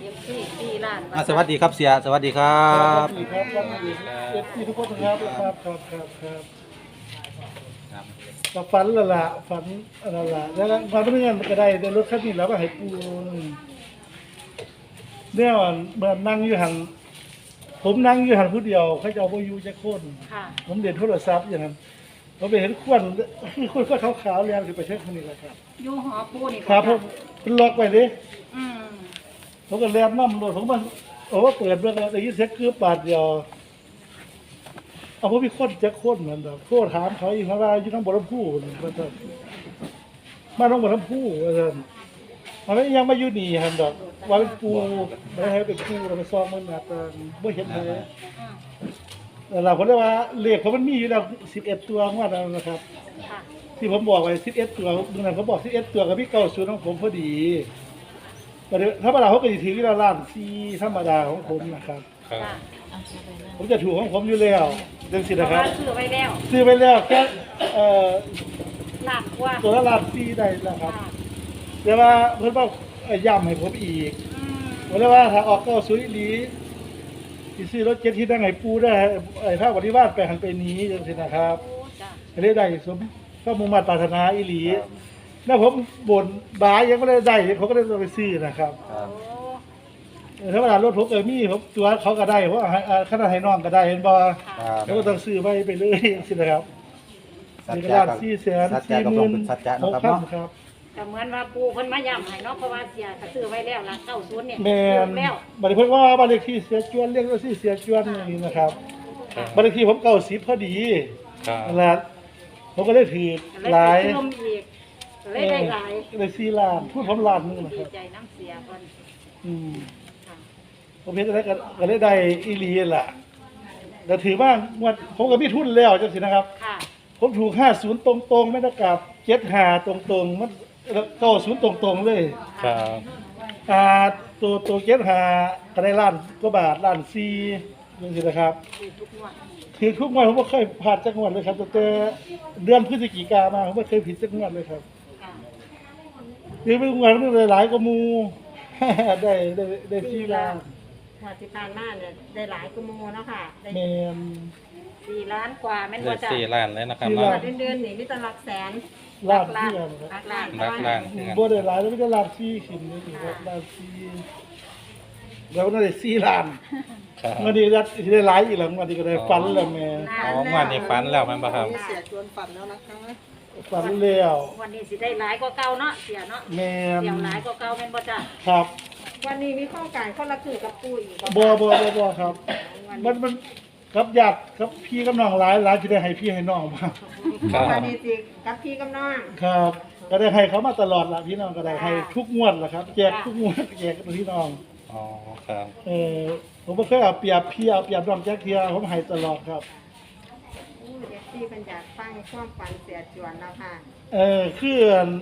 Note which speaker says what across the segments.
Speaker 1: 4 ล้าน
Speaker 2: สวัสดีครับเสียสวัสดีครับ
Speaker 3: สวัสดีครับสวัสดีทุกคนครับกับฝันละละฝันละละแล้วฝันเรื่องมันก็ได้ในรถคันนี้แล้วก็ให้ปูเนี่ยเมื่อนั่งอยู่หันผมนั่งอยู่หันผู้เดียวเขาจะเอาไปอยู่จะโค่น
Speaker 1: ค่ะ
Speaker 3: ผมเด่นโทรศัพท์อย่างนั้นผมไปเห็นควันคนก็ขาวๆแล้วคือไปเช็คคนนี้แหละครับ
Speaker 1: อยู่หอปูนี่
Speaker 3: ครับผมเป็นล็อกไปดิ
Speaker 1: อืม
Speaker 3: ผมก็แลบน้ำรถผมมันโอ้เปิดเรื่องอะไรยี่เซ็กคือบาทเดียวเอาผมมีคนจะโค่นเหมือนแบบโค่นถามเขาอีกว่าอยู่ทั้งบนลำพูนี่ว่าจะมาต้องบนลำพูว่าจะมันไม่ยังมาอยู่นี่ฮันดอกว่าเป็นปูไม่ให้เป็นปูเราไปซองมันอาจจะไม่เห็นเลย
Speaker 1: อืม
Speaker 3: แต่เราคนเรียกว่าเลขเขามันมีอยู่แล้ว11 ตัวงวดนั้นนะครับ
Speaker 1: ค่ะ
Speaker 3: ที่ผมบอกไว้11 ตัวเมื่อนั้นผมบอก11 ตัวกับพี่90ของผมพอดีแต่ธรรมดาเขาก็จะถือที่ล้านที่ธรรมดาของผมนะครับ
Speaker 1: ค่ะ
Speaker 3: ผมจะถูกของผมอยู่แล้วเรื่องสิ
Speaker 1: เพ
Speaker 3: นะ
Speaker 1: ราะ
Speaker 3: ครั
Speaker 1: ว่า
Speaker 3: บ
Speaker 1: ซื้อไว้แล้ว
Speaker 3: ซื้อไปแล้วแค่
Speaker 1: ล้านกว่า
Speaker 3: ตัวละล้านที่ได้แล้วครับ
Speaker 1: ค่ะ
Speaker 3: แต่ว่าเพิ่นว่าย้ำให้ผมอีก
Speaker 1: อืม
Speaker 3: ผมเลยว่าถ้าออก90อีหลีสิซื้อรถเจ็ตที่นั่งให้ปูได้ภาคปฏิวัติไปหันไปนี้จังซี่นะครับ
Speaker 1: โอ้จ้ะ
Speaker 3: ให้ได้สมก็มุ่งมั่นปรารถนาอีหลีแล้วผมบ่นบายยังไม่ได้เขาก็ได้ไปซื้อนะครับ
Speaker 1: โอ้
Speaker 3: ถ้าเวลารถผมมีผมตัวเขาก็ได้เพราะขนาดให้น้องก็ได้เห็นบ่
Speaker 1: ค่ะ
Speaker 3: แล้วก็ต้องซื้อไปเลยสินะครับ
Speaker 2: สัจ
Speaker 3: มีก
Speaker 2: จะ
Speaker 3: ระดาษ
Speaker 2: กับ
Speaker 3: 400,000
Speaker 2: สัจจะกับลงเป็นสัจจะเนาะครับ
Speaker 3: 46,000
Speaker 2: เนาะ
Speaker 3: ครับ
Speaker 1: แต่เหมือนว่าปูเพิ่นมาย้ำให้เนาะเพราะว่าเสียก็ซื้อไว้แล้วล่ะ90เนี่ย
Speaker 3: แม่
Speaker 1: ซื้
Speaker 3: น
Speaker 1: อแล้ว
Speaker 3: บัดนี้เพิ่นว่าบ้านเลขที่เสียจวนเรียกว่าเสียจวนนี่นะครับบ้านเลขที่ผม90พอดี
Speaker 2: ครับ
Speaker 3: นั่นแหละผมก็ได้ถือ
Speaker 1: เลย
Speaker 3: หลาย
Speaker 1: ไปชมอีกเลยได้หลาย
Speaker 3: ได้4 ล้านพูดผมล้านหนึงนะค
Speaker 1: ดี
Speaker 3: รับ
Speaker 1: ใจน้ำเสียเพิ่น
Speaker 3: อืม
Speaker 1: ค่ะ
Speaker 3: ผมเห็นอะไรก็ได้อีหลีล่ะแต่ถือว่างวดผมก็มีทุนแล้วจังสินะครับ
Speaker 1: ค่ะ
Speaker 3: ผมถูก50ตรงๆไม่ต้องกลับ75ตรงๆมัน90ตรงๆเลย
Speaker 2: ครับ
Speaker 3: ตัว75ก็ได้ล้านกว่าบาทล้าน4จังซี่นะครับ
Speaker 1: ซื้อทุกงวด
Speaker 3: ถือทุกงวดผมบ่เคยพลาดจักงวดเลยครับตั้งแต่เดือนพฤศจิกามาผมบ่เคยผิดจักงวดเลยครับ
Speaker 1: ค่ะ
Speaker 3: ถือเป็นงวดมันหลายๆกว่าหมู่ ได้4ล้าน
Speaker 4: งวดที่ผ่านมาเนี่ยได้หลายกุโมเนาะค่ะได้
Speaker 3: แม่น
Speaker 1: 4 ล้านกว่าแม่น
Speaker 2: ได้
Speaker 1: บ่จ้ะ
Speaker 2: 4 ล้านเลยนะครับ
Speaker 3: 4
Speaker 4: ง
Speaker 3: ล้า
Speaker 4: วน ดเดือนๆนี่มีแต่หลักแสน
Speaker 3: ล้าน
Speaker 1: ล้าน
Speaker 3: เที่ยวนะครับ
Speaker 1: ล้าน
Speaker 2: รักล้าน
Speaker 3: บ่ได้หลายแล้วไม่ได้ล้าน4ขึ้นนี่ครับล้าน4แล้วน่าได้4ล้าน
Speaker 2: ครับ
Speaker 3: วันนี้ได้หลายอีกแล้ววันนี้ก็ได้ฝันแล้วแม่
Speaker 2: อ๋องวันนี้ฝันแล้วแมันบ่ครับ
Speaker 4: เสียชวนฝันแล้วนะคะ
Speaker 3: ฝันแล้ว
Speaker 1: วันนี้สิได้หลายกว่าเก่าเนาะเสียเนาะ
Speaker 3: แม่น
Speaker 1: เสียหลายกว่าเก่าแม่นบ่จ้ะ
Speaker 3: ครับ
Speaker 4: วันนี้มีข้อการข้อละคือกับปูอีก
Speaker 3: บ่ครับ มันกับญาติกับพี่กับน้องหลายที่ได้ให้พี่ให้น้องมา
Speaker 2: ครับ
Speaker 4: วันนี้สิกับพี่กับน้อง
Speaker 3: ครับ ก็ได้ให้เขามาตลอดล่ะพี่น้องก็ได้ให้ทุกงวดล่ะครับแจกทุกงวดแจกพี่น้อง
Speaker 2: อ๋อครับ
Speaker 3: ผมบ่เคยเอาเปรียบพี่เอาเปรียบน้องแจ๊กเทียผมให้ตลอดครับ
Speaker 4: เด็กที่เป็นอยากฟังความฝันเสียจวนแล้วค่ะ
Speaker 3: คือ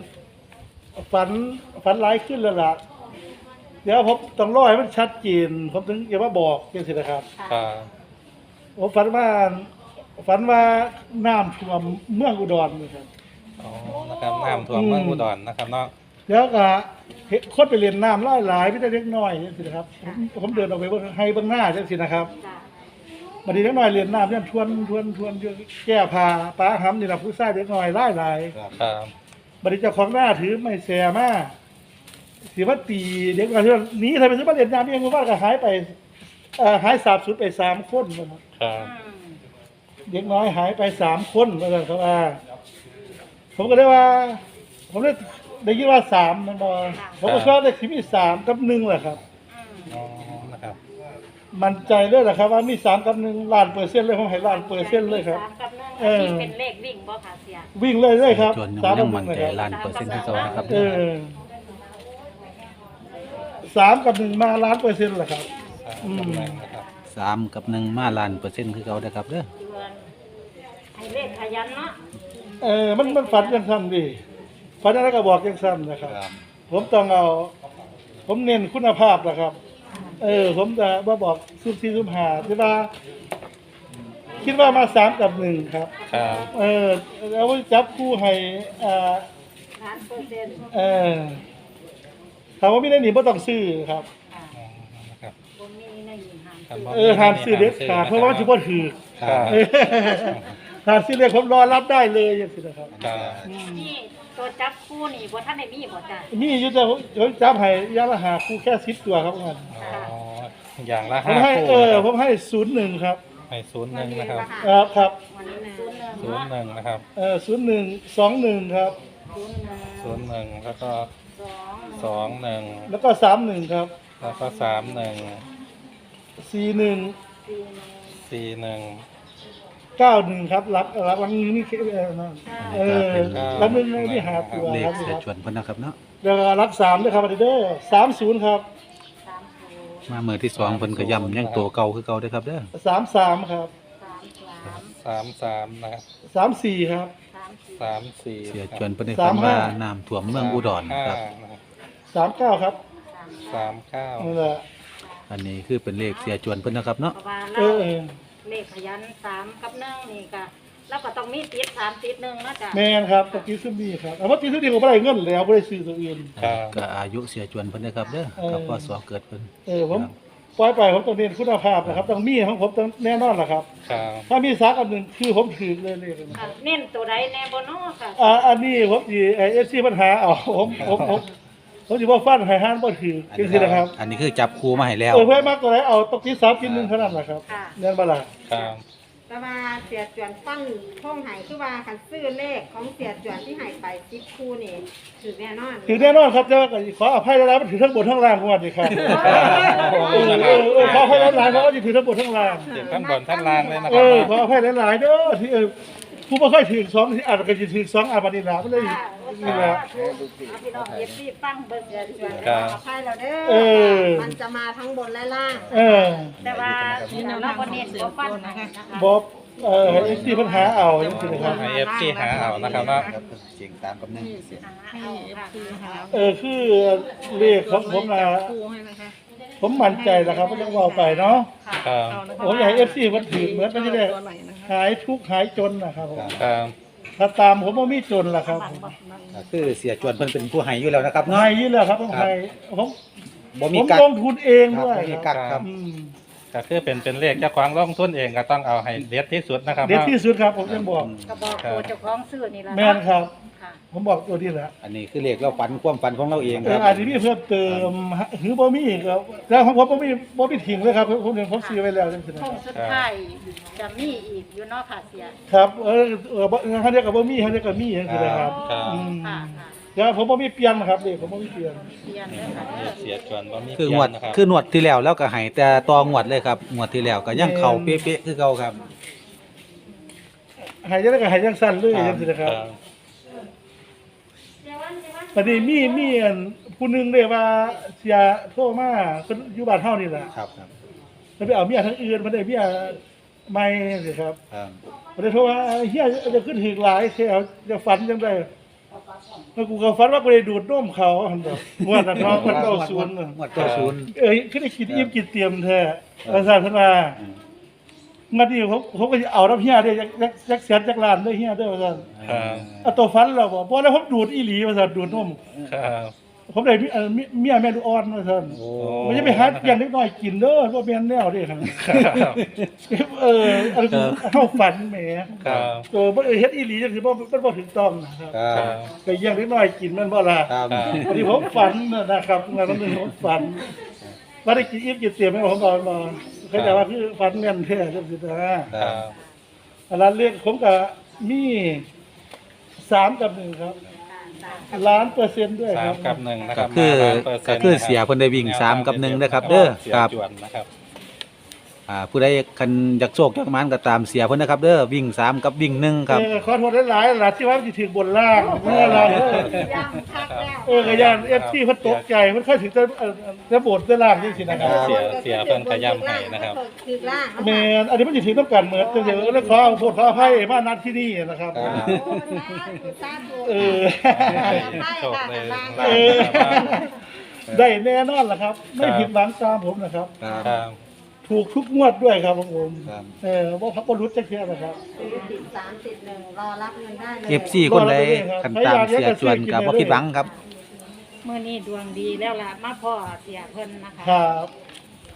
Speaker 3: ฝันร้ายขึ้นแล้วล่ะ เดี๋ยวผมต้องรอให้มันชัดเจนผมถึงจะมาบอกจังซี่นะครับ
Speaker 2: ครับ
Speaker 3: ผมฝันว่าน้ำท่วมเมืองอุดรนี่ครับ
Speaker 2: อ๋อนะครับน้ำท่วมเมืองอุดรนะครับเนาะ
Speaker 3: แล้วก็เห็นคนไปเรียนน้ำหลายๆไม่ได้เล็กน้อยจังซี่นะครับผมเดินออกไปให้เบื้องหน้าจังซี่นะครับ
Speaker 1: จ้ะ
Speaker 3: บัดนี้เล็กน้อยเรียนน้ำเนี่ยทวนอยู่แก้ผ้าป้าหำนี่ล่ะผู้ชายเล็กน้อยหลายๆ
Speaker 2: ครับ
Speaker 3: บัดนี้เจ้าของหน้าถือไม้แสมาสิว่าตีเด็กน้อยที่ว่าหนีทำไมถึงมาเรียนน้ำเองว่าก็หายไปหายสาบสูญไป3คนนะครับ
Speaker 2: ครับ
Speaker 1: อืม
Speaker 3: เด็กน้อยหายไป3คนว่าซั่นครับผมก็เลยว่า ผมเลยได้ยินว่า3มันบ่ผมก็ชอบเลขที่มี3กับ1แหละครับ
Speaker 1: อืม
Speaker 2: อ๋อนะครับ
Speaker 3: มั่นใจเลยแหละครับว่ามี3กับ1ล้านเปอร์เซ็นต์เลยผมให้ล้านเปอร์เซ็นต์เลยครับ
Speaker 1: สามกับหนึ่ง
Speaker 3: เออ
Speaker 1: อันนี้เป็นเลขวิ่งบ่ค่ะเสีย
Speaker 3: วิ่งเลยครับ
Speaker 2: จน
Speaker 3: 3
Speaker 2: ยั
Speaker 3: กับ
Speaker 2: งมั่น
Speaker 3: 1นะ
Speaker 2: ใจ
Speaker 3: ครับ
Speaker 2: ล้านเปอร์เซ็นต์ที่สองนะครับ
Speaker 3: 3กับ1มาล้านเปอร์เซ็นต์แหละครับ
Speaker 2: นะครับ3กับ1มาล้านเปอร์เซ็นต์คือเขาเด้อครับเด้อ
Speaker 1: เดือนให้เลขขยันเนาะ
Speaker 3: มันฝันจังซั่นดิฝันอะไรก็บอกจังซั่นนะครับ
Speaker 2: ครับ
Speaker 3: ผมต้องเอา ผมเน้นคุณภาพนะครับ ผมจะมาบอกซุ่ม4ซุ่ม5ที่ว่า คิดว่ามา3กับ1ครับ
Speaker 2: ครับ
Speaker 3: แล้วจับคู่ให้
Speaker 1: ล้านเปอร์เซ็นต์
Speaker 3: ถามว่าไม่ได้หนีบ่ต้องซื้อครับ
Speaker 1: ค่ะผมมีในหญิงหาม
Speaker 5: ครับ
Speaker 3: ห้ามซื้อเด็ดขาดเพราะว่ามันจะบ่ถือ
Speaker 5: ครับ
Speaker 3: ห้ามซื้อเลขผมรอรับได้เลยอย่างนี้นะครับ
Speaker 5: ครับ
Speaker 1: นี่ตัวจับคู่นี่บ่ท่านได้มีบ่จ้ะ
Speaker 3: นี่อยู่แต่ผมจับให้ยาละหาคู่แค่10ตัวครับงาน
Speaker 5: อ๋ออย่างละ
Speaker 3: ผม
Speaker 5: 5
Speaker 3: ให้
Speaker 5: คู่
Speaker 3: ผมให้01ครับ
Speaker 5: ให้01นะครับ
Speaker 3: ครับ
Speaker 1: วันนี้ศูนย์หนึ่ง
Speaker 5: 01นะครับ
Speaker 3: 01 21ครับ
Speaker 1: ศูนย์หนึ่ง
Speaker 5: 01แล้วก็
Speaker 1: สอง
Speaker 5: 21
Speaker 3: แล้วก็31ครับ
Speaker 5: แล้วก็31
Speaker 3: 41
Speaker 5: 41
Speaker 3: 91ครับรับวันนี้นี่นั่นรับนึงนี่หาตัว
Speaker 2: เล
Speaker 3: ค
Speaker 2: ข
Speaker 3: รับ
Speaker 2: เสียจวนเพิ่นนะครับเนาะ
Speaker 3: แล้วก็รับ3ด้วยครับอันนี้เด้อ30ครับ
Speaker 1: 30
Speaker 2: มาเมื่อที่สองเพิ่นก็ย้ำยังตัวเก่าคือเก่าเด้อครับเด้อ
Speaker 3: 33ครับ
Speaker 5: 33นะครับ
Speaker 3: 34ครับ
Speaker 5: 34
Speaker 2: เสียจวนเพิ่นได้ฟังว่าน้ำท่วมเมืองอุดรครับ
Speaker 3: 39ครับ
Speaker 5: 39
Speaker 3: นั่นแหละ
Speaker 2: อันนี้คือเป็นเลขเสียจวนเพิ่นนะครับเนาะ
Speaker 1: เพราะว่า
Speaker 3: เอ
Speaker 1: เรา
Speaker 3: อ
Speaker 1: เลขขยัน3กับ1นี่ก็เราก็ต้องมีติด3ติด1เนาะจ้ะ
Speaker 3: แมนครับตะกี้ซึ่งมีครับแต่ว่ากี้ซึ่งดีผมไม่ได้เงินแล้วไม่ได้ซื้อตัวอื่น
Speaker 5: ครับ
Speaker 2: ก็อายุเสียจวนเพิ่นนะครับเด้อกับพศเกิดเพิ่น
Speaker 3: ผมปล่อยไปผมต้องเรียนคุณภาพนะครับต้องมีของผมต้องแน่นอนแหละครับ
Speaker 5: ครับ
Speaker 3: ถ้ามีซักอันหนึ่งคือผมถือเลยนะ
Speaker 1: ค่ะเน้นตัวใดแน่บ่เนาะค่ะ
Speaker 3: อันนี้ผมดีเอฟซีปัญหาเอาผมจะว่าฟันไฮฮันบ่ถือจริงๆนะครับ
Speaker 2: อันนี้คือจับคู่มาให้แล้ว
Speaker 3: เพื่อมากตัวไหนเอาตกที่ซับกินหนึ่งเท่านั้นแหละครับเงินบาลา
Speaker 5: ครับ
Speaker 4: แต่ว่าเสียจวนฟังท่องไห้คือว่าคันซื้อเลขของเสียจวนที่ใหายไป10คู่นี่ถือแน่นอน
Speaker 3: ถือแน่นอนครับแต่ว่าขออภัยแล้วมันถือทั้งบนทั้งล่างของวันนี้ครับขออภัยหลายๆเพราะว่าจะถือทั้งบนทั้งล่าง
Speaker 5: เสียงทั้งบนทั้งล่างเลยนะค
Speaker 3: ข
Speaker 5: รั
Speaker 3: ออภัยหลายๆเด้อที่ผู้บ่ค่อยถึง2ที่อาจจะถึง2อาบัดนี้ล่ะมันเลย
Speaker 1: ค่ะ
Speaker 3: นี่แหละ
Speaker 1: พี่น้องเอฟซีฟังเบิ่งเสียจวน
Speaker 5: ครับ
Speaker 4: ขอให้เราเด้
Speaker 3: เออ
Speaker 4: มันจะมาทั้งบนและล่าง
Speaker 1: แต่ว่าเราบ่เน้นบ่ฟันนะคะ
Speaker 3: บอกให้ที่ปัญหาเอาจริงๆนะครับ
Speaker 5: ให้ FC หาเอานะครับว่า
Speaker 2: เสียงตามกับนึง
Speaker 1: เอาค่ะ
Speaker 3: คือเลขของผมนะผมมั่นใจนะครับว่าต้องเอาไปเนาะ
Speaker 5: ครับ
Speaker 3: ผมอยากให้ FC มันถือเหมือนมันจะได้หายทุกข์หายจนนะครับผม
Speaker 5: ครับ
Speaker 3: ถ้าตามผมว่ามีจนล่ะครับ
Speaker 2: ก็คือเสียจวนเพิ่นเป็นผู้ให้อยู่แล้วนะครับ
Speaker 3: หา
Speaker 2: เนาะ
Speaker 3: ยนี่แหละครับต้องหายผม
Speaker 2: บ่มี
Speaker 3: ผม
Speaker 2: กัก
Speaker 3: ลงทุนเองด้วย
Speaker 2: บ่มีกักครับ
Speaker 3: อืม
Speaker 5: ก็คือเป็นเลขเจ้าของลงทุนเองก็ต้องเอาให้เด็ดที่สุดนะครับ
Speaker 3: เด็ดที่สุดครับผมจะบอก
Speaker 1: ก็บอกตัวเจ้าของซื้อนี่ล่ะ
Speaker 3: แม่นครับ
Speaker 1: ค่ะ
Speaker 3: ผมบอกตัวนี้แหละ
Speaker 2: อันนี้คือเลขเราฝันความฝันของเราเองครับ
Speaker 3: อาจจะมีเพิ่มเติมหรือบ่มีอีกครับแล้วของผมบ่มีทิ้งเลยครับผมซื้อไว้แล้วจังซี่นะ
Speaker 1: คงสุดท้ายจะมีอีกอยู่เนาะค่ะเสีย
Speaker 3: ครับเขาเรียกกับบ่มีเขาเรียกกับมีจังซี่นะครับ
Speaker 1: ค่ะ
Speaker 3: อืม
Speaker 1: ค่ะ
Speaker 3: เดี๋ยวผมบ่มีเปลี่ยนนะครับเด็กผมบ่มีเปลี่ยน
Speaker 1: เรียนเด้อค่ะ
Speaker 5: เสียจวนบ่มี
Speaker 2: คือง
Speaker 5: เพี้
Speaker 2: วย ด
Speaker 5: นนะครับ
Speaker 2: คืองวดที่แล้วแล้วก็ให้แต่ต่องวดเลยครับงวดที่แล้วก็ยังเข้าเป๊ะๆคือเก่าครับ
Speaker 3: หายจังได๋ก็หายจังสั้นเลยจังซี่นะครับบัดนี้มีอันผู้หนึงเด้ว่าเสียโทรมาเพิ่นอยู่บ้านเฮานี่แหละ
Speaker 2: ครับครับ
Speaker 3: เพิ่นไปเอาเมียทางอื่นมาได้เมียใหม่สิครับ
Speaker 2: ครับ
Speaker 3: บ่ได้โทรว่าเฮียจะขึ้นถึกหลายแท้จะฝันจังได๋แล้วกูก็ฝันว่ากูได้ดูดนมเขาหั่นดอกงวดนั้นเนาะมัน90น่ะ
Speaker 2: งวด90
Speaker 3: คือได้กินอิ่มกินเตรียมแท้อาจารย์เพิ่นว่างัดนี้ผมก็สิเอาน้ำเฮียได้จักแสนจักล้านเด้อเฮียเด้อว่าซั่น
Speaker 5: ครับ
Speaker 3: เอาตัวฟันเราบ่แล้วผมดูดอีหลีว่าซั่นดูดนม
Speaker 5: ครับ
Speaker 3: ผมได้เมียแม่ลูกอ่อนว่าซั่น
Speaker 2: โอ้
Speaker 3: มันจะไปหาอย่างเล็กน้อยกินเด้อบ่แม่นแนวเด้ครับ
Speaker 5: ครับ
Speaker 3: อันเฮาฝันแหม
Speaker 5: ครับ
Speaker 3: บ่เฮ็ดอีหลีจังซี่บ่มันบ่ถูกต้องนะครับ
Speaker 2: ครับ
Speaker 3: ไปอย่างเล็กน้อยกินมันบ่ล่ะ
Speaker 2: ครับ
Speaker 3: อันนี้ผมฝันนะครับงานนั้นผมฝันว่าได้กินอิ่มกินเตรียมให้ผมบอกมาเขาจะว่าคือฝันแม่นแท้จังซี่นะ
Speaker 5: ครับ
Speaker 3: อันนั้นเลขผมก็มี3กับ1ครับล้านเปอร์เซ็นต์ด้วยค
Speaker 5: สา
Speaker 3: รั
Speaker 5: ม
Speaker 3: บ
Speaker 5: กับ1นะค
Speaker 2: ก็
Speaker 5: รับ
Speaker 2: คือ
Speaker 5: 100%
Speaker 2: ก็คือเสียเพิ่นได้วิ่ง3กับ1นะครับเด้อ
Speaker 5: เสีย
Speaker 2: ครับ
Speaker 5: จวนนะครับ
Speaker 2: ผู้ใดคันอยากโชคอยากหมานก็ตามเสียเพิ่นนะครับเด้อวิ่ง3กับวิ่ง1ครับ
Speaker 3: ขอโทษหลายๆหลายที่ว่าสิถึงบนล่างเมื่อไร
Speaker 4: ย่ำคักแล้ว
Speaker 3: ก็ย่าน FC เพิ่นตกใจเพิ่นค่อยถึงจะโบดจะล่างจังซี่นะครับ
Speaker 5: เสียเพิ่นขย้ำให้นะครับ
Speaker 4: คือล่าง
Speaker 3: แม่นอันนี้มันสิถึงต้องการเหมือนจังซี่แล้วขอโทษขออภัยมานัดที่นี่นะครับ
Speaker 4: โอ้สาธุ
Speaker 3: เออ
Speaker 5: โชคเลย
Speaker 4: ล่าง
Speaker 3: เออได้แน่นอนล่ะครับ ไม่ผิดหวังตามผมนะครับ
Speaker 5: ครับ
Speaker 3: ถูกทุกงวดด้วยครับผม
Speaker 2: ครับ
Speaker 3: ว่าพักบรุษจะเทียนะครับ
Speaker 4: ติด3ติด1รอรับเงินได้เลย
Speaker 2: FC คนใดคันตามเสียจวนก็บ่ผิดหวังครับ
Speaker 1: มื้อนี้ดวงดีแล้วล่ะมาพ่อเสียเพิ่นนะคะ
Speaker 3: ครับ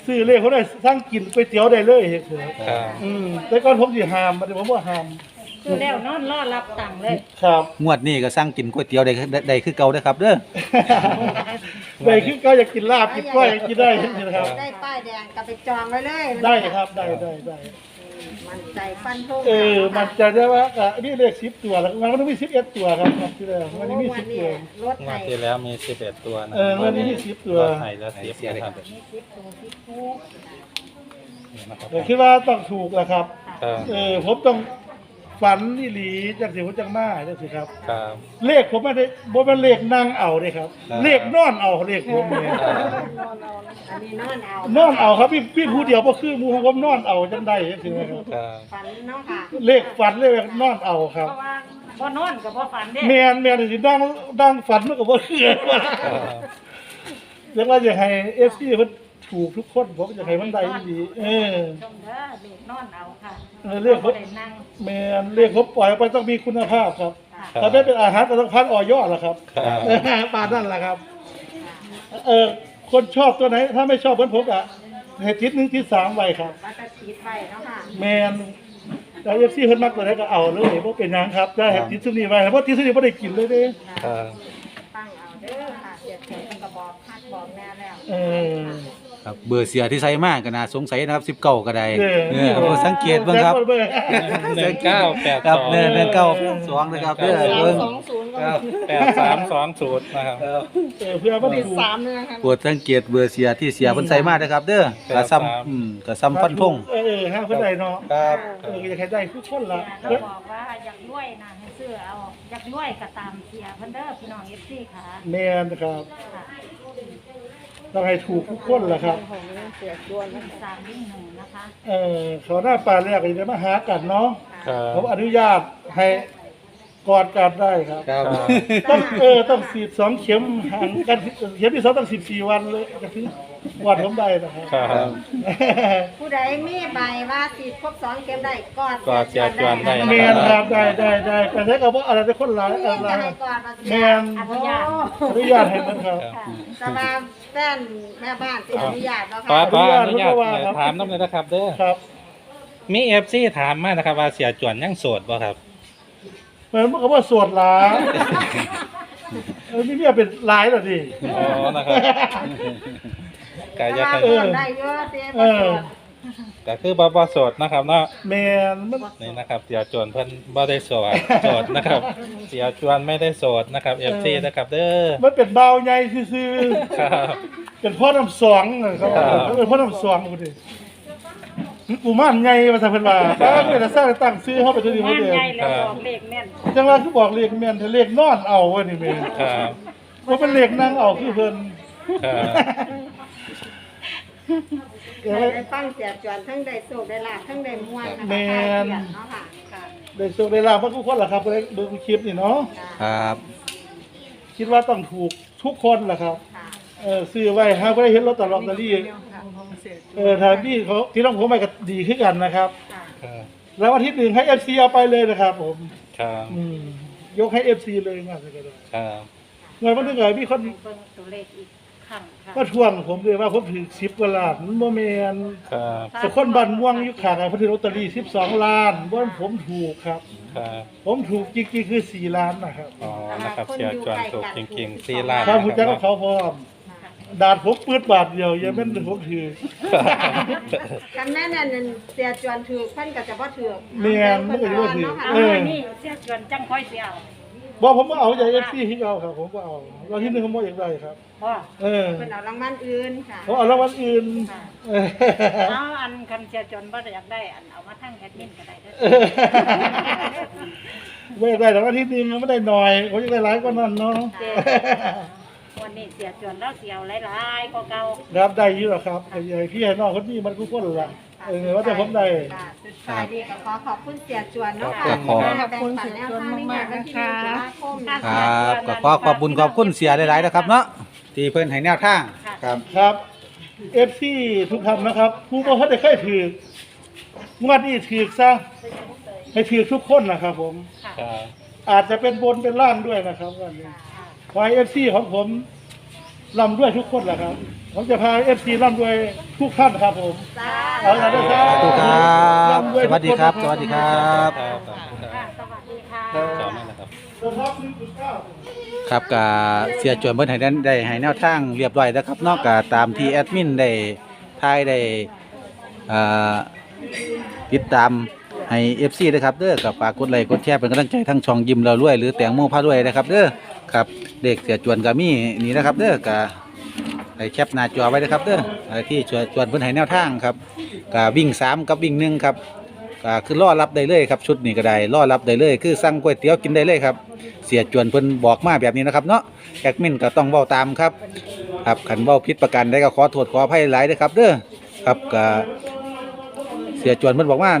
Speaker 3: ซื้อเลขเขาได้สร้างกินก๋วยเตี๋ยวได้เลยเฮ็ดครับ
Speaker 5: ครับ
Speaker 3: แต่ก่อนผมสิห้ามบัดนี้ผมบ่ห้าม
Speaker 1: คือแล้วนอนรอรับตังค์เลย
Speaker 3: ครับ
Speaker 2: งวดนี้ก็สั่งกินก๋วยเตี๋ยวได้คือเก่าเด้อครับเด้อ
Speaker 3: ได้คือก็อยากกินลาบกินก้อยกินได้นะครับ
Speaker 4: ได้ป้ายแดงกลับไปจองไว้เลย
Speaker 3: ได้ครับได้
Speaker 4: มันใจฟันธง
Speaker 3: มันจะได้ว่ามีเลข10ตัวแล้วมันต้องมี11ตัวครับที่แล้วมันนี้มี10ตัว
Speaker 4: รถ
Speaker 5: ง
Speaker 4: ไถ
Speaker 5: วดที่แล้วมี11ตัวนะ
Speaker 3: มันนี้มี10ตัว
Speaker 5: รถไถแล้ว10นะครับ
Speaker 1: มี10ตัว10คู่
Speaker 5: นี่นะครับ
Speaker 3: แต่คิดว่าต้องถูกแหละครับ
Speaker 5: ครับ
Speaker 3: ผมต้องฝันอีหลีจังสิผมจังมาจังสิครับ
Speaker 5: ครับ
Speaker 3: เลขผมไม่ได้บ่เป็นเลขนั่งเอาเด้ครับ เลขนอนเอาเลขผมเนี่ย
Speaker 4: อันนี้นอนเอา
Speaker 3: นอนเอาครับพี่ผู้เดียวบ่คือหมู่ของผมนอนเอาจังได้จังซี่นะครับ
Speaker 5: ครับ
Speaker 4: ฝันเนาะค่ะ
Speaker 3: เลขฝันเลขนอนเอาครับ
Speaker 1: เพราะว่าบ่นอนกับบ่ฝันเด้
Speaker 3: แม่นสิดังฝันมันก็บ่คือ
Speaker 5: ครับ
Speaker 3: เรียกว่าอยากให้ FC เพิ่นถูกทุกคนผมอยากให้มันได้อีหลี
Speaker 1: ชมเด้อเด็กนอนเอาค่ะ
Speaker 3: เรียกผม
Speaker 1: บ่ได้นั่ง
Speaker 3: แม่นเลขผมปล่อยออกไปต้องมีคุณภาพครับ
Speaker 5: ครับ
Speaker 3: ถ้าไม่เป็นอาหารก็ต้องพันออยล่ะครับ
Speaker 5: ครับ
Speaker 3: ปานนั่นแหละครับ คนชอบตัวไหน ถ้าไม่ชอบเหมือนผมอะให้ทิศ1ทิศ3ไว้ครับ
Speaker 4: ว่าจะติดไปเนาะค่ะ
Speaker 3: แมนแต่เอฟซีเพิ่นมักตัวไหนก็เอาเลยบ่เป็นหยังครับได้ให้ทิศซุนี้ไว้เพราะทิศซุนี้บ่ได้กินเลยเด้
Speaker 5: ครับ
Speaker 4: ตั้งเอาเด้อค่ะเสียเสียงกระบอกพัดบอกแน่แล้ว
Speaker 3: เออ
Speaker 2: ครับเบอร์เสียที่ใส่มากก็น่าสงสัยนะครับ19ก็ได้
Speaker 3: เออ
Speaker 2: เอาสังเกตเบิ่งครับ
Speaker 3: เบิ่ง
Speaker 5: 1982
Speaker 2: ครับ19นะครับเด้อเบิ่งครับ
Speaker 5: 8320นะครับ
Speaker 3: เพื่อมัน
Speaker 4: ติด
Speaker 3: ถูก
Speaker 4: 3เลยนะคะ
Speaker 2: โปรดสังเกตเบอร์เสียที่เสียเพิ่นใส่มานะครับเด้อกระซ้ำกระซ้ำฟันธง
Speaker 3: ฮะเพิ่นได้เนาะ
Speaker 2: ครับ
Speaker 3: อยากให้ได้ทุกคนล่ะ
Speaker 1: เราบอกว่าอยากรวยนะให้ซื้อเอาอยากรวยก็ตามเสียเพิ่นเด้อพี่น้อง FC ค่ะ
Speaker 3: แม่นครับ
Speaker 1: ค่ะ
Speaker 3: ต้องให้ถูกทุกคนล่ะครับ
Speaker 1: 3วิ่ง1นะคะ
Speaker 3: เขาหน้าปลาแรกก็จะมาหากันเนาะ
Speaker 5: ครับ
Speaker 3: ผมอนุญาตให้กอดกันได้ครับ
Speaker 2: ครับ
Speaker 3: ต้องฉีด2เข็มห่างกันเข็มที่2ต้อง14วันเลยจะถึงวันผมได้นะครับ
Speaker 5: ครับ
Speaker 4: ผู้ใดมีใบว่าติดครบ2เข็มได้กอด
Speaker 5: กอดเสียจวนได้
Speaker 3: แมนครับได้แต่ถ้าเกิดว่าอะไรจะคนหลาย
Speaker 4: นี่
Speaker 3: อะไร
Speaker 4: จะให้กอดมา
Speaker 3: แมน
Speaker 1: อนุญาต
Speaker 3: อนุญาตให้มันครับ
Speaker 5: ครับ
Speaker 4: สบายแฟนแม่บ้านสิอนุญาตเนาะ
Speaker 5: ขอ
Speaker 4: ค่ะ
Speaker 5: อนุญาตถามน้ำเลยนะครับเด้อ
Speaker 3: ครับ
Speaker 5: มี FC ถามมานะครับว่าเสียจวนยังโสดบ่ครับ
Speaker 3: เหมือนกับว่าสวดหลานี่เนี่ยเป็นหลายแล้วดิ
Speaker 5: อ๋อนะครับก็จะ
Speaker 4: แต่
Speaker 5: ให้
Speaker 4: ว่าได้เยอะเต้
Speaker 3: เออ
Speaker 5: ก็คือบ่โสดนะครับเนาะ
Speaker 3: แมนมัน
Speaker 5: นี่นะครับเสียจวนเพิ่นบ่ได้โสดนะครับ เสียจวนไม่ได้โสดนะครับ FC นะครับเด้อ
Speaker 3: มันเป็นเบาใหญ่ซื่อ
Speaker 5: ครับ
Speaker 3: ๆเป็นพ่อน้ำสองนะครับ
Speaker 5: ครับ
Speaker 3: เป็นพ่อน้ำสองกูดิกูม่านใหญ่มาทำเป็นว่าเป็นสร้างตั้งซื้อเข้าไปตัวนี้
Speaker 1: งาน
Speaker 3: เดียว
Speaker 1: ใหญ่แล้วบอกเลขแม่น
Speaker 3: จังหวะคือบอกเลขแม่นถ้าเลขนอนเอาวะนี่แม่
Speaker 5: ครับ
Speaker 3: ว่าเป็นเลขนั่งเอาคือเพิ่น
Speaker 5: ครับ
Speaker 4: ได้ฟังเสียจวนทั้งได้โศกได้ลาบทั้งได้ม่วนนะคะเนาะค่ะค่ะ
Speaker 3: ได้โชคได้ลาบมาทุกคนล่ะครับเบิ่งคลิปนี่เนาะ
Speaker 2: ครับ
Speaker 3: คิดว่าต้องถูกทุกคนล่ะครับ
Speaker 4: ค่ะ
Speaker 3: ซื้อไว้หาบ่ได้เห็นลอตเตอรี่ถ้าพี่เขาที่ต้องผมไปก็ดีขึ้นกันนะครับ
Speaker 4: ค่ะ
Speaker 5: ครับ
Speaker 3: แล้ววันที่1ให้ FC เอาไปเลยนะครับผม
Speaker 5: ครับ
Speaker 3: ยกให้ FC เลยมากเลยก็ได้
Speaker 5: ครับ
Speaker 3: เงินวันนึงมีคน
Speaker 1: ให้เบิ่งตัวเลขอีกครั้งค่ะ
Speaker 3: มาทวงผมเลยว่าผมถือ10กว่าล้านมันบ่แม่น
Speaker 5: ครับ
Speaker 3: แต่คนบ้านม่วงอยู่ข้างกันเพิ่นถือลอตเตอรี่12ล้านบ่ผมถูกครับ
Speaker 5: ครับ
Speaker 3: ผมถูกจริงๆคือ4ล้านนะครับ
Speaker 5: อ๋อนะครับเสียจวนถูกจริงๆ4ล้าน
Speaker 3: ถ้า
Speaker 5: นะ
Speaker 3: ผมจะ
Speaker 5: ค
Speaker 3: กั
Speaker 5: รั
Speaker 3: บบ เขาพร้อมดาดผมปืดบาทเดียวอย่าแม่นผมถือ
Speaker 4: กันแม่นั่นเสียจวนถือเพิ่นก็จะบ่ถือ
Speaker 3: แม่นมันก็สิบ่ถือ
Speaker 1: เอาไว้นี่เสียจวนจังค่อยสิเอา
Speaker 3: บ่ผมบ่เอาใจ FC ที่เอาครับผมบ่เอาเราที่1ผมบ่อยากได้ครับ
Speaker 1: บ่
Speaker 3: เออ
Speaker 4: เพิ่นเอารางวัลอื่นค่ะ
Speaker 3: ผมเอารางวัลอื่นเออ
Speaker 1: เอาอันคันเสียจวนบ่ได้อยากได้อันเอามาทั้งแอดมินก็ได้เด้อ
Speaker 3: ไม่ได้รางวัลที่1มันไม่ได้น้อยผมอยากได้หลายกว่านั้นเนาะ
Speaker 1: วันนี้เสียจวนแล้วเสียวหลายๆกว่าเก่า
Speaker 3: ครับได้อยู่หรอครับไอ้พี่ให้น้องคนนี้มันกูคนละว่าแต่ผมได้
Speaker 4: ค่ะสุดท้ายดีก็ขอขอบคุณเสียจวนเนาะค่ะ
Speaker 2: ขอบ
Speaker 4: ขอบคุณเสียจวนมากๆนะคะ
Speaker 2: ครับก็ขอขอบคุณเสียหลายๆนะครับเนาะที่เพิ่นให้แนวทางครับ
Speaker 3: ครับเอฟซีทุกท่านนะครับผู้บ่ทันได้เคยถือกงวดนี้ถือกซะให้ถือกทุกคนนะครับผม
Speaker 5: ครับ
Speaker 3: อาจจะเป็นบนเป็นล่างด้วยนะครับวันนี้ขอให้เอฟซีของผมร่ำด้วยทุกคนแหละครับผมจะพาFC ร่ำรวยทุกท่านครับผม
Speaker 4: จ้า
Speaker 3: เอาละนะครั
Speaker 2: สาธุครับ
Speaker 3: ร่ำรวย
Speaker 2: ส
Speaker 3: ทุก
Speaker 2: วัสดีครับ
Speaker 3: นนะ
Speaker 2: สวัสดีครับ
Speaker 5: ครับ
Speaker 1: ค่ะสวัสดีค่ะ
Speaker 5: จอมนั่นนะครับ
Speaker 3: ผมรับ1.9
Speaker 2: ครับกเสียจวนเพิ่นให้ได้ให้แนวทางเรียบร้อยแล้วครับเนอกจากตามที่แอดมินได้ทายได้อ่าติดตามให้ FC นะครับเด้อกับฝากกดไลค์กดแชร์เป็นกำลังใจทั้งช่องยิ้มเรารวยหรือแตงโมพารวยนะครับเด้อครับเด็กเสียจวนก็มีนี่นะครับเด้อก็ให้แคปหน้าจอไว้นะครับเด้อที่จวนเพิ่นให้แนวทางครับก็วิ่ง3กับวิ่ง1ครับก็คือรอรับได้เลยครับชุดนี้ก็ได้รอรับได้เลยคือสั่งก๋วยเตี๋ยวกินได้เลยครับ เสียจวนเพิ่นบอกมาแบบนี้นะครับเนาะแอดมินก็ต้องเว้าตามครับครับขันเว้าผิดประกันได้ก็ขอโทษขออภัยหลายเด้อครับเด้อครับก็เสียจวนเพิ่นบอกว่า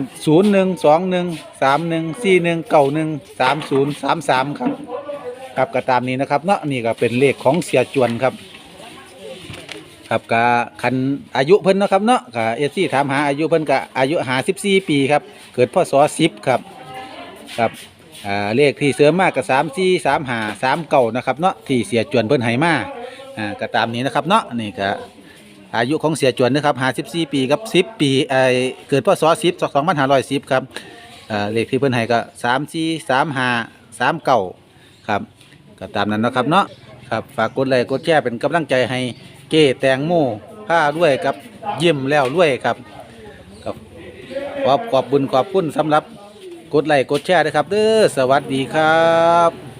Speaker 2: 01213141913033ครับครับก็ตามนี้นะครับเนาะนี่ก็เป็นเลขของเสียจวนครับครับก็คันอายุเพิ่นเนาะครับเนาะก็FCถามหาอายุเพิ่นก็อายุ54ปีครับเกิดพศ10ครับครับเลขที่เสริมมากกับ343539นะครับเนาะที่เสียจวนเพิ่นให้มาก็ตามนี้นะครับเนาะนี่ก็อายุของเสียจวนนะครับ54ปีกับ10ปีเกิดพศ10 2510ครับเลขที่เพิ่นให้ก็343539ครับก็ตามนั้นนะครับเนาะครับฝากกดไลค์กดแชร์เป็นกำลังใจให้เก้แตงโมผ้าด้วยกับยิ้มแล้วด้วยครับขอบบุญขอบคุณสำหรับกดไลค์กดแชร์ด้วยครับเด้อสวัสดีครับ